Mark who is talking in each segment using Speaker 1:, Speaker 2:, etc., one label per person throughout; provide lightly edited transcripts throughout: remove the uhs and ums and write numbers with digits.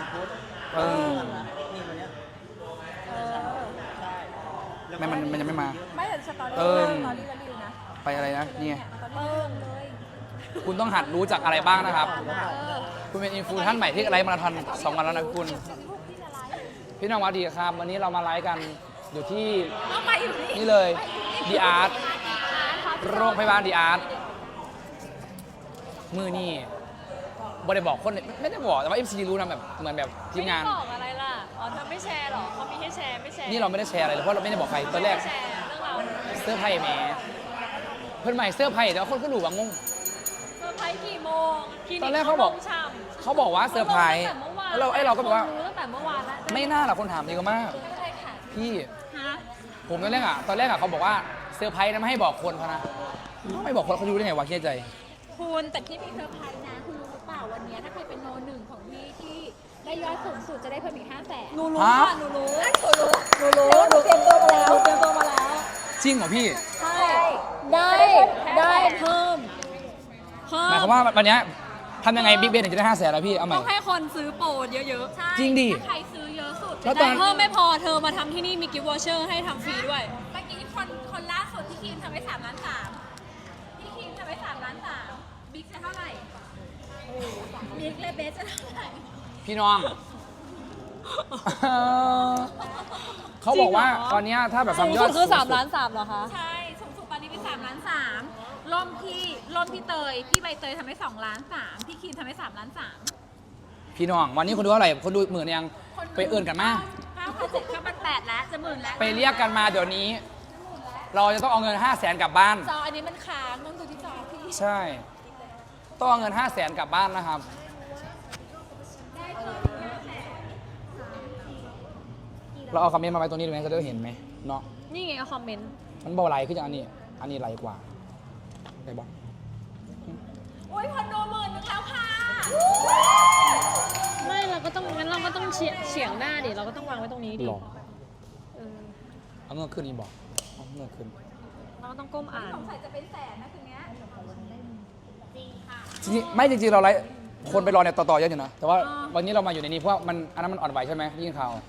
Speaker 1: เออไม่มันยังไม่มา
Speaker 2: ไม่เห็นสตอรี่
Speaker 1: เออ
Speaker 2: สตอรี่แล้วดิวนะ
Speaker 1: ไปอะไรนะเนี่ย
Speaker 2: สตอรี่เลย
Speaker 1: คุณต้องหัดรู้จักอะไรบ้างนะครับ
Speaker 2: เออ
Speaker 1: คุณเป็นอินฟูท่านใหม่ที่ไลฟ์มาราธอน2 วันแล้วนะคุณ พี่น้องวัดดีครับ วันนี้เรามาไลฟ์กันอยู่ที่
Speaker 2: เอามาอยู่นี่
Speaker 1: นี่เลยดีอาร์ตโรงพยาบาลดีอาร์ตมือนี่บริบอกคนไม่ได้บอกแต่ว่า MC รู้นะแบบเหมือนแบบทีมงาน
Speaker 3: ไม่ได้บอกอะไรล่ะ อ๋อเธอไม่แชร์หรอเขามีให้แชร์ไม่แชร์
Speaker 1: นี่เราไม่ได้แชร์อะไรเลยเพราะเราไม่ได้บอกใครตอนแรก
Speaker 3: ไม่แชร์เรื่องเรา
Speaker 1: เสื้อร์ไพ่แหมเพื่อนใหม่เสื้อร์ไพ่แต่ว่าคนก็ดูบางงง
Speaker 3: เซอร์ไพรส์กี่โมงคลินิ
Speaker 1: ตอนแรกเขาบอก
Speaker 3: ลงฉ่ำ
Speaker 1: เขาบอกว่าเซอร์ไพรส์
Speaker 3: ตั้งแต่เมื่อวาน
Speaker 1: แล้วเราก็แบบว่า
Speaker 3: รู้ตั้งแต่เมื่อวานแล้ว
Speaker 1: ไม่น่าหรอกคนถามเยอะมาก
Speaker 3: ไม่เป็นไรค่ะ
Speaker 1: พี่
Speaker 3: ฮะ
Speaker 1: ผมตอนแรกเขาบอกว่าเซอร์ไพรส์นะไม่ให้บอกคนเขานะไม่บอกคนเขารู้ได้ไงวะเครียดใจ
Speaker 2: คุณแต่ที่มีเซอร์ไพรส์นะคุณรู้หรือเปล่าวันนี้ถ้าใครเป็นโนหนึ่งของพี่ที่ได้ยอดสูงสุดจะได้เพิ่มอีก500,000
Speaker 3: หนูรู้
Speaker 1: ฮะ
Speaker 3: ค่ะหนูรู้
Speaker 2: หนูเตรียมตัวมาแล้วเตรียมตัวมาแล้ว
Speaker 1: จริงเหรอพี่
Speaker 2: ใช่ได้เพิ่ม
Speaker 1: หมายความว่าวันเนี้ยทำยังไงบิ๊กเบนถึงจะได้500,000แล้วพี่เอาใหม่
Speaker 3: ต้องให้คนซื้อโปรเยอะ
Speaker 2: ใช่
Speaker 1: จริงดิ
Speaker 2: ถ้าใครซื้อเยอะสุด
Speaker 1: แล้ว
Speaker 3: ๆ
Speaker 1: ตอ
Speaker 3: แต่
Speaker 1: น
Speaker 3: เพิ่มไม่พอเธอมาทำที่นี่มีกิฟต์วอเชอร์ให้ทำฟรีด้วย
Speaker 2: เมื่อกี้คนล่าสุดที่คีมทำไว้3,300,000พี่คีมทำไว้3,300,000บิ๊กจะเท่าไหร่บิ๊กและเบสจะเท่าไหร่
Speaker 1: พี่น้อง เขาบอกว่า
Speaker 3: จริงเหรอ
Speaker 1: ตอนเนี้ยถ้าแบบ
Speaker 3: สูง
Speaker 1: ทำย
Speaker 3: สุ
Speaker 1: อ
Speaker 3: ด
Speaker 1: ด
Speaker 3: คือ
Speaker 1: สูงสุด
Speaker 3: 3 ล้าน 3เหรอคะ
Speaker 2: ใช่สูงสุดตอนนี้เป็น3,300,000ร่มพี่เตยพี่ใบเตยทำไว้2,300,000พี่คีมทำไว้3,300,000
Speaker 1: พี่น้อง วันนี้คนดูเท่าไหร่คนดู10,000ยังไปเอื่นกันมา
Speaker 2: 5,700เข้ามัน8แล้วจะหมื่นแล้ว
Speaker 1: ไปเรียกกันมาเดี๋ยวนี้ เราจะต้องเอาเงิน500,000กลับบ้าน
Speaker 2: จออันนี้มันค้างต้องดูที่จอพี่
Speaker 1: ใช่ ต้องเอาเงิน500,000กลับบ้านนะครับ เราเอาคอมเมนต์มาไว้ตรงนี้ดูไหมจะได้เห็นไหมเนาะ
Speaker 3: นี่ไงคอมเมนต์
Speaker 1: มันเบาไหลขึ้นจากอันนี้ไหลกว่าได้บอก
Speaker 2: โอ้ยคนดู10,000แล้วค่ะ
Speaker 3: ไม่เราก็ต้องงั้นเราก็ต้องเฉียงหน้าดิเราก็ต้องวางไว้ตรงนี้ดิ
Speaker 1: หลอก
Speaker 3: เออ
Speaker 1: เอาเงินขึ้นนี่บอกเอาเงินขึ้น
Speaker 3: เราก็ต้องก้มอ่าน
Speaker 2: สงสัยจะเป็นแสนนะคืนนี้จริงค่ะ
Speaker 1: จริงๆไม่จริงๆเราไลฟ์คนไปรอเนี่ยต่อๆเยอะอยู่นะ แต่ว่าวันนี้เรามาอยู่ในนี้เพราะว่ามันอันนั้นมันอ่อนไหวใช่ไหมได้ยินข่าว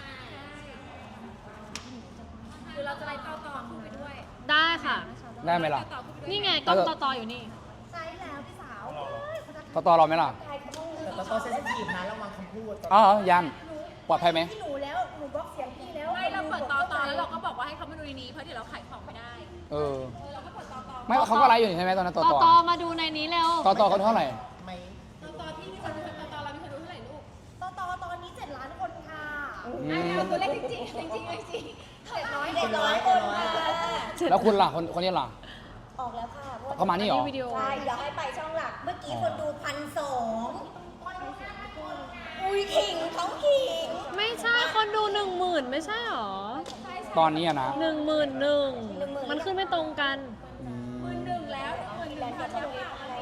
Speaker 2: คือเราจะไล่ต่อขึ้นไปด้วย
Speaker 3: ได้ค่ะ
Speaker 1: ได้ไหมล่ะ
Speaker 2: ต่อขึ้นไปด้วย
Speaker 3: นี่ไงกล้องต่ออยู่นี่
Speaker 2: ใช่แล้วพี่สาว
Speaker 1: ต่อเราไหมล่ะ
Speaker 4: แต่ตัวเซนซิทีฟนะระวังคำพูด
Speaker 1: อ๋อยังปลอดภัยไหม
Speaker 2: พี่หนูแล้วหนูบล็อกเสียงพี่แล้วไม่เราเปิดต่อแล้วเราก็บอกว่าให้เขามาดูในนี้เพราะเดี๋ยวเราขายของไม่ได้
Speaker 1: เออ
Speaker 2: เราก็เปิดต่อ
Speaker 1: ไม่เขาก็ไลฟ์อยู่นี่ใช่ไหมตอนนั้นต่อ
Speaker 3: ต่อมาดูในนี้เร็ว
Speaker 1: ต่อเขาเท่าไหร่
Speaker 4: ไม่
Speaker 2: ที่มีคนดูต่อเรามีคนดูเท่าไหร่ลูกตอนนี้7 ล้านคนค่ะ
Speaker 1: อืม
Speaker 2: เอาตัวเลขจริง700คนค่ะ
Speaker 1: แล้วคุณล่ะคนนี้ล่ะ
Speaker 5: ออกแล้วค่ะเพราะว่า
Speaker 1: เขามานี่เหรอ
Speaker 3: วิดีโอ
Speaker 5: ใช่เดี๋ยวให้ไปช่องหลัก เมื่อกี้คนดู1,200อุ้ยขิงเขาขิง
Speaker 3: ไม่ใช่คนดู10,000ไม่ใช่หรอ
Speaker 1: ตอนนี้อะนะ
Speaker 3: 11,000มันขึ้นไม่ตรงกัน
Speaker 1: อืม
Speaker 2: 1แล้ว1แล้วค่ะแล้วค่ะอะไร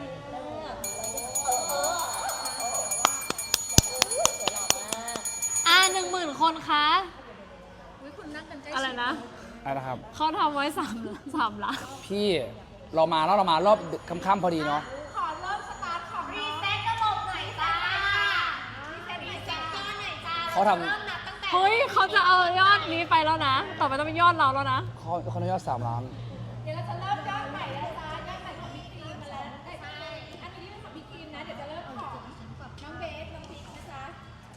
Speaker 3: 10,000 คนคะ
Speaker 2: อุ้ยคุณนั่งกันใกล้
Speaker 3: อะไรนะ
Speaker 1: อะไรนะครับ
Speaker 3: เขาทำไว้3 ล้าน
Speaker 1: พี่เรามารอบค่ำๆพอดีเนาะ
Speaker 2: ขอเริ่มสตาร์ทของรีเซ็ตระบบหน่อยจ้ารีเซ็ตก้อนหน่อยจ้า
Speaker 1: เขาท
Speaker 2: เริ่มนับตั้งแต่
Speaker 3: เฮ้ยเขาจะเอายอดนี้ไปแล้วนะ ต่อไปต้องเป็นยอดเราแล้วนะ
Speaker 1: เขาได้ยอด3 ล้าน
Speaker 2: เดี๋ยวเราจะเริ่มยอดใหม่แล้วจ้ายอดใหม่ของพี่ครีมมาแล้วอันนี้เป็นของพี่ครีมนะเดี๋ยวจะเริ่มของน้องเบสน้องพีคนะจ๊ะ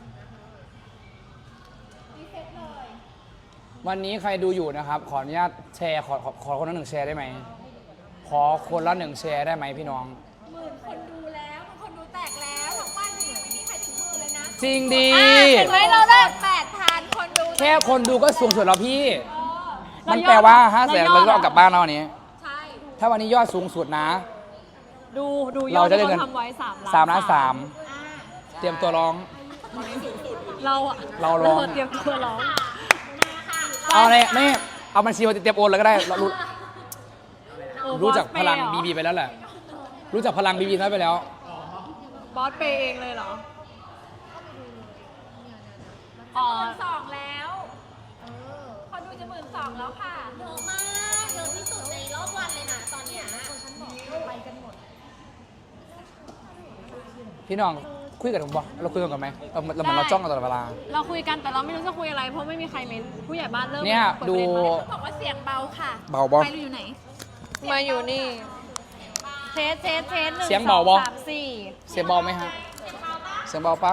Speaker 2: รีเซ็ตเลย
Speaker 1: วันนี้ใครดูอยู่นะครับ ขออนุญาตแชร์ขอคนละ1 แชร์ได้ไหม ขอคนละ1 แชร์ได้ไหมพี่น้อง
Speaker 2: 10,000 คนดูแล้วคนดูแตกแล้วทั้งบ้านนี้ยังไม่มีใครถึง10,000เลยนะ
Speaker 1: จริงดี
Speaker 3: เห็นไหมเราได้
Speaker 2: 8,000 คนดู
Speaker 1: แค่คนดูก็สูงสุดแล้วพี่
Speaker 2: เออ
Speaker 1: มันแปลว่า500,000เราก็เอากลับบ้านแล้ววันนี้
Speaker 2: ใช่
Speaker 1: ถ้าวันนี้ยอดสูงสุดนะ
Speaker 3: ดูยอ
Speaker 1: เรา
Speaker 3: ด
Speaker 1: จะได้
Speaker 3: ที่
Speaker 1: เงิน
Speaker 3: เขาทำไว้3 ล้าน
Speaker 1: 3 ล้าน 3เตรียมตัวร้อง
Speaker 3: เราอะ
Speaker 1: เราร้อง
Speaker 3: เตรียมตัวร้อง
Speaker 1: เอาเลยไม่เอาบัญชีมาเตรียมโอนเลยก็ได้เรารู้จักพลัง
Speaker 3: บอสเปย์เหรอ
Speaker 1: บีบีไปแล้วแหละ รู้จักพลังบีบีไปแล้ว
Speaker 3: บอสเปย์เองเลยเหรอ อ๋อ
Speaker 2: 12,000แล้วคนดูจะ12,000แล้วค่ะ
Speaker 5: เยอะมากเยอะที่สุดในรอบวันเลยนะตอนเนี้ย
Speaker 1: พี่น้องคุยกันผมบอกเราคุยกันก่อนไหมเราเหมือนเราจ้องกันตลอดเวลา
Speaker 3: เราคุยกันแต่เราไม่รู้จะคุยอะไรเพราะไม่มีใครเม้นผู้ใหญ่บ้านเริ่ม
Speaker 1: เนี่ย
Speaker 3: ปิ
Speaker 1: ดู
Speaker 3: ประเนมา
Speaker 2: บอกว่าเสียงเบาค่ะ
Speaker 1: เบาบอ
Speaker 2: ไปเราอยู่ไหน
Speaker 3: มาอยู่นี่เทสหนึ่ง
Speaker 1: เสียงเบาบ่
Speaker 3: สองสามสี่
Speaker 1: เสียงเบาไหมฮะเสียงเบาปะ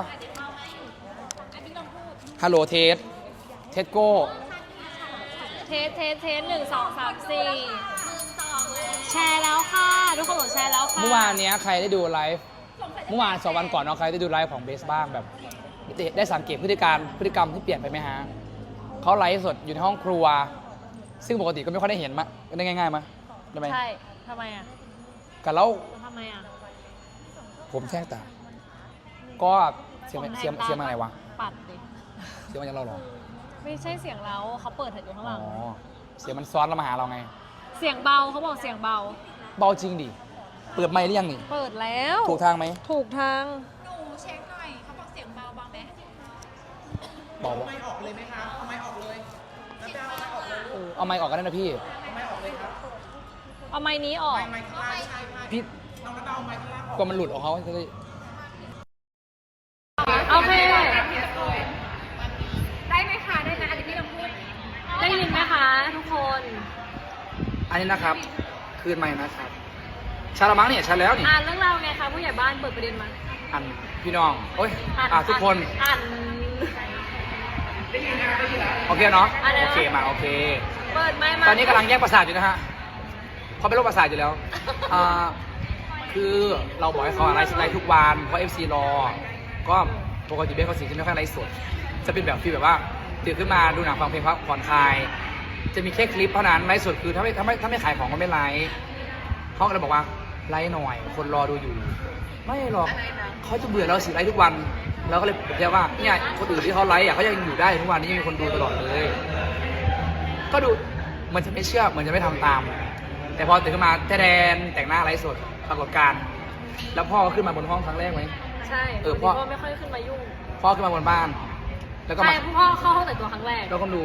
Speaker 1: ฮัลโหลเทสโก้
Speaker 3: เทส1 2 3 4แชร์แล้วค่ะทุกคนบอกแชร์แล้วค่ะ
Speaker 1: เมื่อวานเนี้ยใครได้ดูไลฟ์เมื่อวาน2 วันก่อนเนาะใครได้ดูไลฟ์ของเบสบ้างแบบได้สังเกตพฤติกรรมที่เปลี่ยนไปไหมฮะเขาไลฟ์สดอยู่ในห้องครัว ซึ่งปกติก็ไม่ค่อยได้เห็นมาได้ง่ายๆมั้ยได้ไหม
Speaker 3: ใช่ทำไมอ่ะ
Speaker 1: กันแล้ว
Speaker 3: ทำไมอ่ะ
Speaker 1: ผมแทรกตาก็เสียง
Speaker 3: ผมแท
Speaker 1: เสียง
Speaker 3: ตา
Speaker 1: เสียงมาไหนวะ
Speaker 3: ปัดดิ
Speaker 1: เสียงมาจากเราเหรอ
Speaker 3: ไม่ใช่เสียงเราเขาเปิดอยู่ข้างห
Speaker 1: อ๋
Speaker 3: ลั
Speaker 1: อง เสียงมันซ้อนเรามาหาเราไง
Speaker 3: เสียงเบาเขาบอกเสียงเบา
Speaker 1: เบาจริงดิเปิดไมค์หรือยังนี่
Speaker 3: เปิดแล้ว
Speaker 1: ถูกทางไหม
Speaker 3: ถูกทาง
Speaker 2: หนูเช็คหน่อย เขาบอกเสียงเบาไหม
Speaker 1: บอกว่า
Speaker 4: ไม่ออกเลยไหมคะเอาไม่ออกเลยแล้วจะเอาไม่ออกเลย
Speaker 1: เอาไมค์ออกกันได้นะพี่
Speaker 4: เอาไม่ออกเลยครับ
Speaker 3: เอาไม้นี้ออก
Speaker 4: ไม่ข้างล่างใช่ไหม
Speaker 1: พี่
Speaker 4: ต้องแล้วเอาไม้ข้างล่างออก
Speaker 1: กลัวมันหลุดออกเขาจะได้
Speaker 3: โอเค
Speaker 2: ได้ไหมคะ ได้นะอันนี้พี่ลองพูด
Speaker 3: ได้ยินไหมคะทุกคน
Speaker 1: อันนี้นะครับ คืนใหม่นะครับชาละมั้งเนี่ยชาแล้วนี่
Speaker 3: อ่านเรื่องราวไงคะผู้ใหญ่บ้านเปิดประเด็นมา
Speaker 1: อันพี่น้องโอ้ย
Speaker 3: อ่าน
Speaker 1: ทุกคน
Speaker 3: อ่าน
Speaker 1: โอเคเนาะ
Speaker 3: อะไรนะ
Speaker 1: โอเคมาโอเค
Speaker 3: เปิดไม่มา
Speaker 1: ตอนนี้กำลังแยกประสาทอยู่นะฮะเขาเป็นโรคประสาทอยู่แล้วอ่าคือเราบอกให้เขาไลฟ์ทุกวันเพราะ FC รอ ก็ปกติเบสเขาสิจะไม่ค่อยไลฟ์สด จะเป็นแบบที่แบบว่าตื่นขึ้นมาดูหนังฟังเพลงพักผ่อนคลาย จะมีแค่คลิปเท่านั้นไลฟ์สดคือถ้าไม่ขายของก็ไม่ไลฟ์เขาก็เลยบอกว่าไลฟ์หน่อย คนรอดูอยู่ ไม่หรอกเขาจะเบื่อเราสิไลฟ์ทุกวันเราก็เลยบอกแค่ว่าเนี่ยคนอื่นที่เขาไลฟ์อ่ะเขายังอยู่ได้ทุกวันนี้ยังมีคนดูตลอดเลย ก็ดูเหมันจะไม่เชื่อเหมือนจะไม่ทำตาม แต่พอตื่นขึ้นมาแดนแต่งหน้าไลฟ์สดปรากฏการณ์แล้วพ่อก็ขึ้นมาบนห้องครั้งแรกไหม
Speaker 3: ใช่
Speaker 1: พ่อ
Speaker 3: ก็ไม่ค่อยขึ้นมายุ่ง
Speaker 1: พ่อขึ้นมาบนบ้าน แล้วก็
Speaker 3: ใช่
Speaker 1: มา
Speaker 3: พ่อเข้าห้องแต่งตัวครั้งแรก
Speaker 1: แล้วก็ดู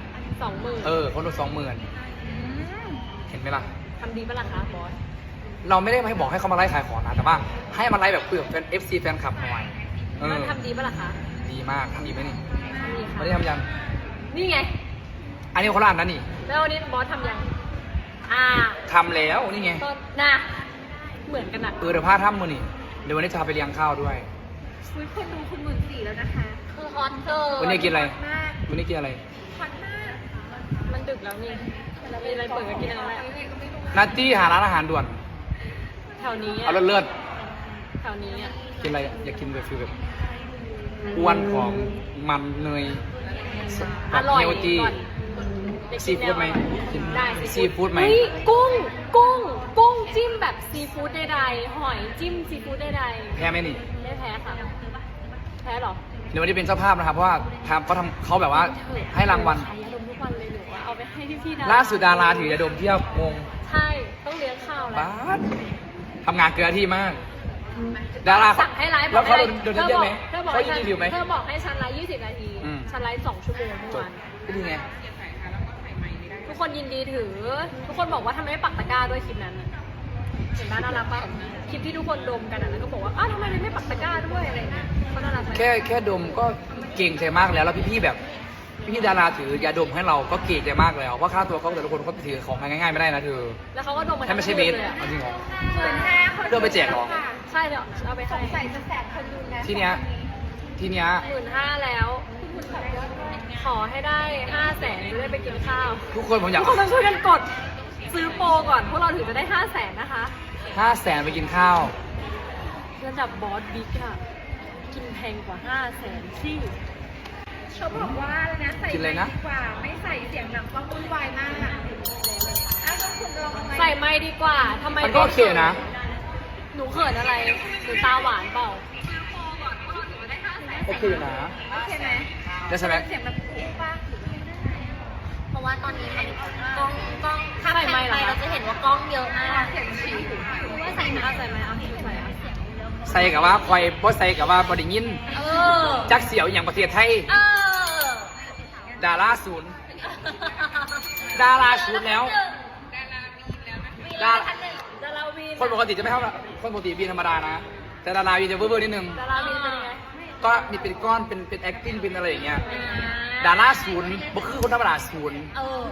Speaker 3: 20,000
Speaker 1: คนดู20,000เห็นไหมล่ะ
Speaker 3: ทำดีปะล่ะคะบอส
Speaker 1: เราไม่ได้ให้บอกให้เขามาไลฟ์ขายของนะแต่ว่าให้มาไลฟ์แบบคุยกับแฟน FC แฟนคลับหน่อยเอ
Speaker 3: มัน
Speaker 1: อ
Speaker 3: ทำดีปะล่ะคะ
Speaker 1: ดีมากทำดีไหมนี่
Speaker 3: ทำดีค่ะ
Speaker 1: ไม่ได้ทำยัง
Speaker 3: นี่ไง
Speaker 1: อันนี้คนละอันนั้นนี่
Speaker 3: แล้ววันนี้บอสทำยัง
Speaker 1: ทำแล้วนี่ไง
Speaker 3: ก็นะเหมือนกันอะ
Speaker 1: เดี๋ยวพาทำมือนี่เดี๋ยววันนี้จะพาไปเลี้ยงข้าวด้วย
Speaker 2: คุยคนดูคุณ14,000แล้วนะคะ
Speaker 3: คือฮอตเกิน
Speaker 1: วันนี้กินอะไร
Speaker 2: มาก
Speaker 1: วันนี้กินอะไร
Speaker 2: ฮอตมาก
Speaker 3: มันดึกแล้วนี่มีอะไรเปิดก็กินอะไรแหละ
Speaker 1: นัตตี้หาร้านอาหารด่วน
Speaker 3: แถวนี้
Speaker 1: เอา
Speaker 3: อะ
Speaker 1: เลิศ
Speaker 3: แถวนี้อะ
Speaker 1: ๆกินอะไรอยากกินแบบฟิลแบบอ้วนของมันเนย
Speaker 3: อร่อย
Speaker 1: เฮลตี้
Speaker 3: ก่อน
Speaker 1: ซีฟู้ดไหมกิน
Speaker 3: ได้
Speaker 1: ซีฟู้ดไหม
Speaker 3: เฮ้ยกุ้งจิ้มแบบซีฟู้ดใดๆหอยจิ้มซีฟู้ดใด
Speaker 1: แพ้ไหมนี่
Speaker 3: ๆไม่แพ้ค่ะแพ้เหรอ
Speaker 1: เดี๋ยววันนี้เป็นเจ้าภาพนะครับ เพราะว่าเขาแบบว่าให้รางวัล
Speaker 3: ขายยาดมทุกวันเลยหนูอะเอาไปให้พี่ๆดา
Speaker 1: ล่าสุดดาราถือยาดมเที่ยวงง
Speaker 3: ใช่ต้องเลี้ยงข้าวแล้ว
Speaker 1: บ้าสทำงานเกินหน้าที่มาก ดารา
Speaker 3: สั่งให้ไลฟ์
Speaker 1: แล้วเขา
Speaker 3: ให้
Speaker 1: โดนเยอะไหม
Speaker 3: เธอบอก
Speaker 1: เขา
Speaker 3: ให้
Speaker 1: ยิงรีวิวไหม
Speaker 3: เธอบอกให้ฉันไลฟ์20 นาที
Speaker 1: อืม
Speaker 3: ฉันไลฟ์2 ชั่วโมงเมื่อ
Speaker 1: จบ
Speaker 3: วาน
Speaker 1: ก็ดีไง
Speaker 3: ทุกคนยินดีถือ ทุกคนบอกว่าทำไมไม่ปักตะกร้าด้วยคลิปนั้นน่ะเห็นไหมน่ารักปะคลิปที่ทุกคนดมกันอ่ะแล้วก็บอกว่าอ้าวทำไมไม่ปักตะกร้าด้วยอะไรเงี้ยเขาน่ารักไหม
Speaker 1: แค่ดมก็เก่งใจมากแล้วพี่ๆแบบพี่ๆดาราถือยาดมให้เราก็เก่งใจมากแล้วเพราะค่าตัวเขาแต่ละคนเขาถือของง่ายๆไม่ได้นะเธอ
Speaker 3: แล้วเขาก็ดมมา
Speaker 1: ถ้าไม่ใช่เบส
Speaker 3: เลยอะ
Speaker 1: เอาจริงเหรอ
Speaker 2: 15,000คน
Speaker 1: เพื่อไปแจกเหรอ
Speaker 3: ใช่เดี๋ยวเอาไป
Speaker 2: ส
Speaker 3: ให้
Speaker 2: งสัยจะแสบคนดูนะ
Speaker 1: ทีเนี้ย
Speaker 3: 15,000แล้ว ขอให้ได้ 500,000จะได้ไปกินข้าว
Speaker 1: ทุกคนผมอยาก
Speaker 3: ทุกคนต้องช่วยกันกดซื้อโปรก่อนพวกเราถึงจะได้ 500,000นะคะ
Speaker 1: 500,000ไปกินข้าว
Speaker 3: ระดับบอสบิ๊กอะกินแพงกว่า 500,000ที่
Speaker 2: เขาบอกว่าอะไรนะใส่
Speaker 1: กินอะไรนะ
Speaker 2: ดีกว่า ไม่ใส่เสียงหนังต้องวุ่นวายมากอ้าวแล้วคุณลองเอาไหม
Speaker 3: ใส่ไม่ดีกว่าทำไม
Speaker 1: มันก็โอเคนะ
Speaker 3: หนูเขินอะไรหนูตาหวานเปล่า
Speaker 1: โอเคนะ
Speaker 2: โอเคไหม
Speaker 1: ได้ใช่ไหม
Speaker 2: เสียงแบบอู้ป่ะ
Speaker 5: เพราะว่าตอนนี้มันกล้องถ้า
Speaker 3: ใส่
Speaker 5: แพ
Speaker 3: ไม
Speaker 5: น
Speaker 3: ค์เหร
Speaker 5: ไป
Speaker 3: อ
Speaker 5: เราจะเห็นว่ากล้องเยอะมาก
Speaker 2: เสียงฉี่
Speaker 3: หนูว่าใส่นะใส่ไหมเอาใส่อะ
Speaker 1: ใส่กับว่าคอยบ่ใส่กับว่าบไดิยิน
Speaker 5: เออ
Speaker 1: จักเสียวอย่างประเทศไทย
Speaker 5: เออ
Speaker 1: ดาราศูนย์ ดาราศูนย์แล้ว
Speaker 5: มีร้านหนึ่ง
Speaker 3: ดาราวีน
Speaker 1: คนปกติจะไม่เท่าคนปกติบินธรรมดานะแต่ดาราวีจะเวอร์ๆนิดนึง
Speaker 3: ดาราบีเป็นยังไง
Speaker 1: ก็มีเป็นก้อนเป็น acting เป็นอะไรอย่างเงี้ยดาราศูนย์บ่คือคนธรรมดาศูนย์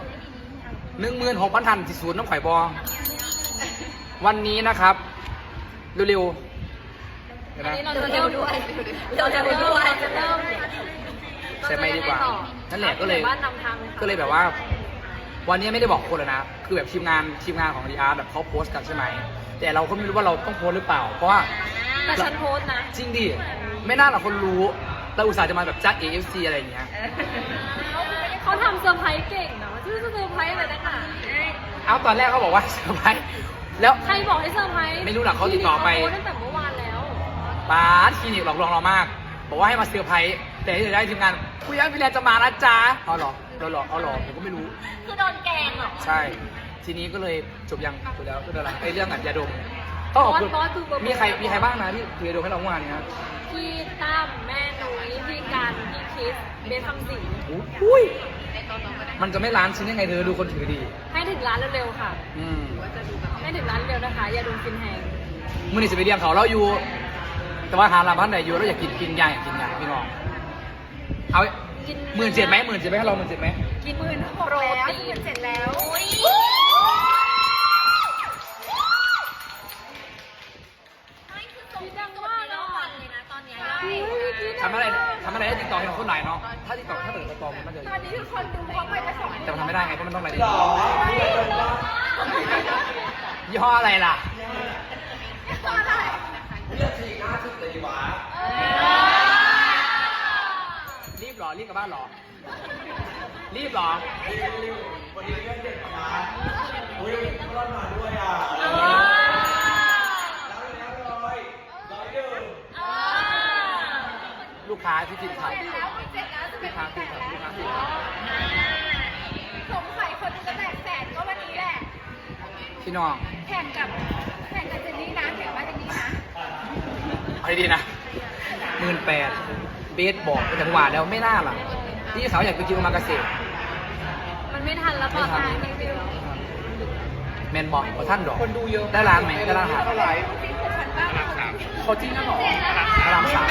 Speaker 1: 16,000 ทันที่ศูนย์น้ำข่อยบอวันนี้นะครับเร็วๆเดี๋ยว
Speaker 3: อัน
Speaker 1: นะ
Speaker 3: นี้เราจะเร็วด้วยเราจะเร็วด้วยจะเริ่ม
Speaker 1: ใช่ไหมดีกว่านั่นแหละก็เลย
Speaker 3: บ้านนำทางเลยค่ะ
Speaker 1: ก็เลยแบบว่า วันนี้ไม่ได้บอกคนเลยนะ คือแบบทีมงานของดีอาร์แบบเขาโพสต์กันใช่ไหมแต่เราก็ไม่รู้ว่าเราต้องโพสต์หรือเปล่า เพราะว่า
Speaker 3: แต่ฉันโพสต์นะ
Speaker 1: จริงดิไม่น่าหรอกคนรู้เราอุตส่าห์จะมาแบบจัด AFC อะไรอย่างเงี้ย
Speaker 3: เขาทำเซอร์ไพรส์เก่งนะชื่อเซอร์ไพรส์อะไรนักหนา
Speaker 1: เอาตอนแรกเขาบอกว่าเซอร์ไพรส์แล้ว
Speaker 3: ใครบอกให้เซอร์ไพรส์
Speaker 1: ไม่รู้หรอกเขาติดต่อไป
Speaker 3: โพสต์ตั้งแต่เมื่อวานแล้ว
Speaker 1: ป้าดคลินิกหลอกลวงเรามาก บอกว่าให้มาเซอร์ไพรส์แต่ที่ได้ทีมงานคุยยังพี่แลนจะมานะจ๊ะเอาหรอเอาหรอผมก็ไม่รู้
Speaker 5: คือโดนแกงเหรอ
Speaker 1: ใช่ ทีนี้ก็เลยจบยังจบแล้วก็อะไรไอ้เรื่องอัดยาดมต้องขอบคุณ
Speaker 3: บอสคือเบอร์
Speaker 1: มีใครบ้างนะที่ถือยาดมให้เราเมื่อวานเนี้ย
Speaker 3: พี่ตั้มแม่หนุ่ยพี่กันพี่คิสเบสคำสิง
Speaker 1: อุ้ยมันจะไม่ล้านชิ้นยังไงเธอดูคนถือดี
Speaker 3: ให้ถึงร้านเร็วๆค่ะ
Speaker 1: อืม
Speaker 3: ให้ถึงร้านเร็วนะคะ อย่าดูกินแหง
Speaker 1: มื่อนี้สิไปเรียงเขาเราอยู่ แต่ว่าหาร้านบ้านไหนอยู่เราอยากกินยาอยากกินยาพี่น้องเอา
Speaker 3: กิน
Speaker 1: 17,000ไหม17,000ให้เรา17,000ไหม
Speaker 3: กิน16,000โปรตีน
Speaker 2: เสร็จแล้ว
Speaker 3: ดังมากเนาะ
Speaker 5: เลยนะตอนเนี้ย
Speaker 1: ทำอะไรให้ติ๊กต็อกให้เราคนไหนเนาะถ้าติ๊กต็อกถ้าเกิดติ๊กต็อกมันจะ
Speaker 2: ตอนนี้คือคนดูเขาไปได้2
Speaker 1: แต่มันทำไม่ได้ไงเพราะมันต้องอะไรยี่ห้ออะไรล่ะรีบเหรอรีบกลับบ้านเหรอรีบเหรอ
Speaker 4: วันนี้เรื่องเด็กมาอุ้ยรอดมาด้วยอ่ะแล้วเลย
Speaker 1: ลูกค้าที่กินข้าว
Speaker 2: เสร็จแล้วจะ
Speaker 1: ลู
Speaker 2: เป็น
Speaker 1: กค้ากินข้าวลูกค้ากินข้าว
Speaker 2: สงสัยคนจะแตกแสนก็วันนี้แหละ
Speaker 1: พี่น้อง
Speaker 2: แข่งกับเจนนี่นะแข่งกับเจนนี่นะ
Speaker 1: เอาดีๆนะ18,000เบสบอกไปถึงหวานแล้วไม่น่าล่ะที่สาวอยากไปกินโอมากาเสะ
Speaker 3: มันไม่ทันแล้วเปล่าตอนนี้รีวิว
Speaker 1: แมนบอกว่าท่านดอก
Speaker 4: คนดูเยอะ
Speaker 1: ได้ร้านไหมได้ร้านอาหาร
Speaker 4: เท่าไหร่
Speaker 1: เขาจริงนะหรอพระรามสาม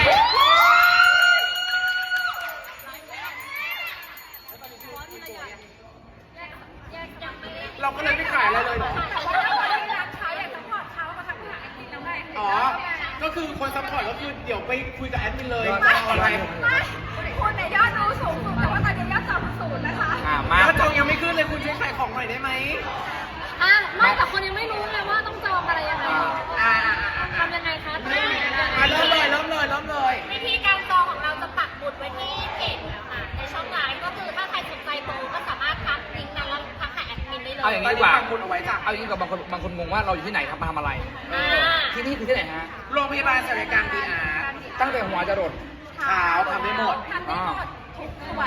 Speaker 4: เราก็เลยไม่ขายอะไรเลยเหรอ
Speaker 2: แต่ว่าถ้าวันนี้รักเขาอยากจะพอดเขามาทำงานจริงแล้วไง
Speaker 4: อ๋อ ก็คือคนซัพพอร์ตก็คือเดี๋ยวไปคุยกับแอดมินเลย
Speaker 1: ยอด
Speaker 4: จะเอาอะไร
Speaker 2: คุณเนี่ยยอดดูสูงสุดแต่ว่าตอนนี้ยอดต่ำสุดนะคะ
Speaker 1: มา
Speaker 4: ถ้าจองยังไม่ขึ้นเลยคุณช่วยขายของหน่อยได้ไหม
Speaker 3: อ่ะไม่แต่คนยังไม่รู้เลยว่าต้องจองอะไรยังไง ทำยังไงคะต้องยังไง
Speaker 4: เริ่มเลย
Speaker 5: วิธีการจองของเราจะปักหมุดไว้ที่เพจนะคะในช่องไลน์ก็คือถ้าใครสนใจโปรก็สามารถทักลิงก์นั้นแล้วทักหาแอดมินได้เลย
Speaker 1: เอาอย่างนี้ดีกว่า
Speaker 4: ปักหมุดเอาไว้จ้ะ
Speaker 1: เอาอย่างนี้กับบางคนงงว่าเราอยู่ที่ไหนครับมาทำอะไร
Speaker 5: อ่า
Speaker 1: ที่นี่คือที่ไหนฮะ
Speaker 4: โรงพยาบาลศัลยกรรมดีอาร์
Speaker 1: ตั้งแต่หัวจะรด
Speaker 4: ขาวทำได้หมด
Speaker 2: ทำได้หมดทุกส่วน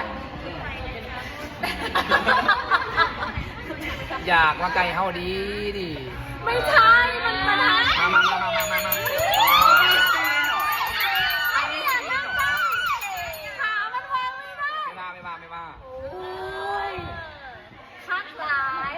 Speaker 1: อยากมาไกลเฮาดีดิ
Speaker 3: ไม่ใช่มันมาทา
Speaker 1: มา
Speaker 3: อันนี้อยากนั่งได้ขามันวางไม่ได้
Speaker 1: ไม่ว่า
Speaker 3: โอ้ยคักหลาย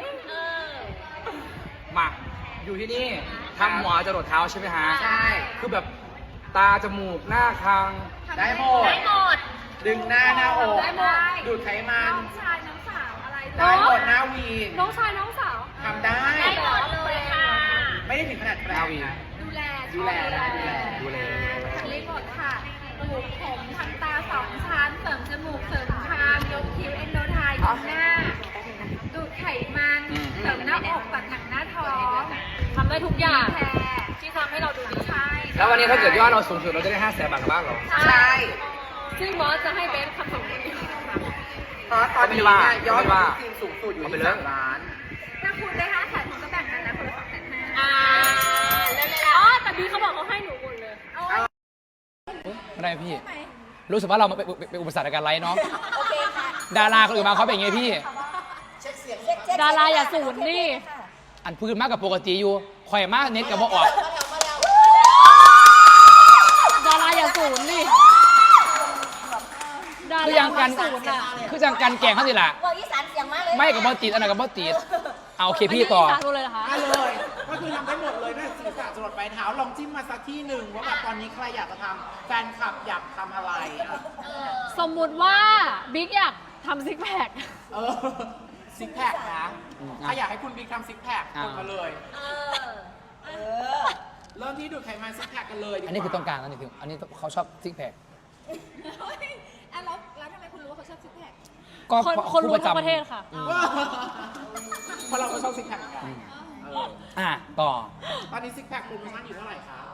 Speaker 1: มาอยู่ที่นี่ทำหัวจะรดเท้าใช่ไหมฮะ
Speaker 4: ใช่
Speaker 1: คือแบบตาจมูกหน้าคาง
Speaker 4: ได้หมด
Speaker 5: ได้หมด
Speaker 4: ดึงหน้าอก
Speaker 2: ได้หมด
Speaker 4: ดูดไขมัน
Speaker 2: น้องชายน้องสาวอะไร
Speaker 4: ได้หมดหน้าวี
Speaker 3: น้องชายน้องสาว
Speaker 4: ทำได้
Speaker 5: ได้หมดเลยค่ะ
Speaker 4: ไม่ได้ถึงขนาดแปล
Speaker 1: หน้าวี
Speaker 2: ดูแล
Speaker 4: ดูแล
Speaker 1: ดูแล
Speaker 2: ทำได้หมดค่ะปลูกผมทำตา2 ชั้นเสริมจมูกเสริมคางยกคิ้วเอนโดไทยดูหน้า ดูดไขมันเสริมหน้าอกตัดหนังหน้าท้อง
Speaker 3: ทำได้ทุกอย่าง
Speaker 2: แพร
Speaker 3: ที่ทำให้เราดูดี
Speaker 2: ใช่
Speaker 1: แล้ววันนี้ถ้าเกิดยอดเราสูงสุดเราจะได้500,000 บาทกลับบ้านเหรอ
Speaker 4: ใช่
Speaker 3: ซึ่งบอสจะให้เบสคำสั่งนี้
Speaker 4: เพราะตอนนี้เนี่ยยอดทีมสูงสุดอยู่ที่3 ล้าน
Speaker 2: ถ้าคุณได้5 แสนคุณก็แบ่งกันนะคนละ2,500,000
Speaker 3: อ่าอ๋อแต่บีเขาบอกเขาให้หนูหมดเลย
Speaker 1: ไม่ได้พี่ รู้สึกว่าเราเป็นอุปสรรคในการไลฟ์เนาะดาราคนอื่นมาเขาเป็นอย่างไงพี่
Speaker 3: ดาราอย่าสูญนี่
Speaker 1: อันพื้นมากกับปกติอยู่ข่อยมากเน็ตกับบ่ออก
Speaker 3: ดาราอย่าสูญนี่ดา
Speaker 1: คือ
Speaker 3: รา
Speaker 1: ยังกัน
Speaker 3: สูญอ่ะ
Speaker 1: คือจังกันแกงเขาสิล่ะ
Speaker 5: บอกอีสานเสียงมากเลย
Speaker 1: ไม่กับบ่ติดอันนั้นกับบ่ติดเอาโอเคพี่ต่อ
Speaker 3: นนี้สาธุเลยเหรอคะ
Speaker 4: ได้เลยก็คือทำได้หมดเลยนะ
Speaker 6: ค่ะจรดปลายเท้าลองจิ้มมาสักที่หนึ่งว่าแบบตอนนี้ใครอยากจะทำแฟนคลับอยากทำอะไรอ่ะ
Speaker 3: สมมุติว่าบิ๊กอยากทำซิกแพค
Speaker 6: เออซิกแพคนะถ้าอยากให้คุณบิ๊กทำซิกแพคกดมาเลย เริ่มที่ดูดไขมันซิกแพคกันเลยดีกว่า
Speaker 1: อันนี้คือต้องการอันนี้คืออันนี้เขาชอบซิกแพค
Speaker 2: แล้วทำไมคุณรู้ว่าเขาชอบซิกแพค
Speaker 1: ก็
Speaker 3: คนรู้
Speaker 1: ผู้
Speaker 3: ทั้งประเทศค่ะ
Speaker 6: เพราะเราก็ชอบซิกแพคเหมือนกันเออ
Speaker 1: ต่อ
Speaker 6: ตอนนี้ซิกแพคโปรโมชั่นอยู่เท่าไหร่คะ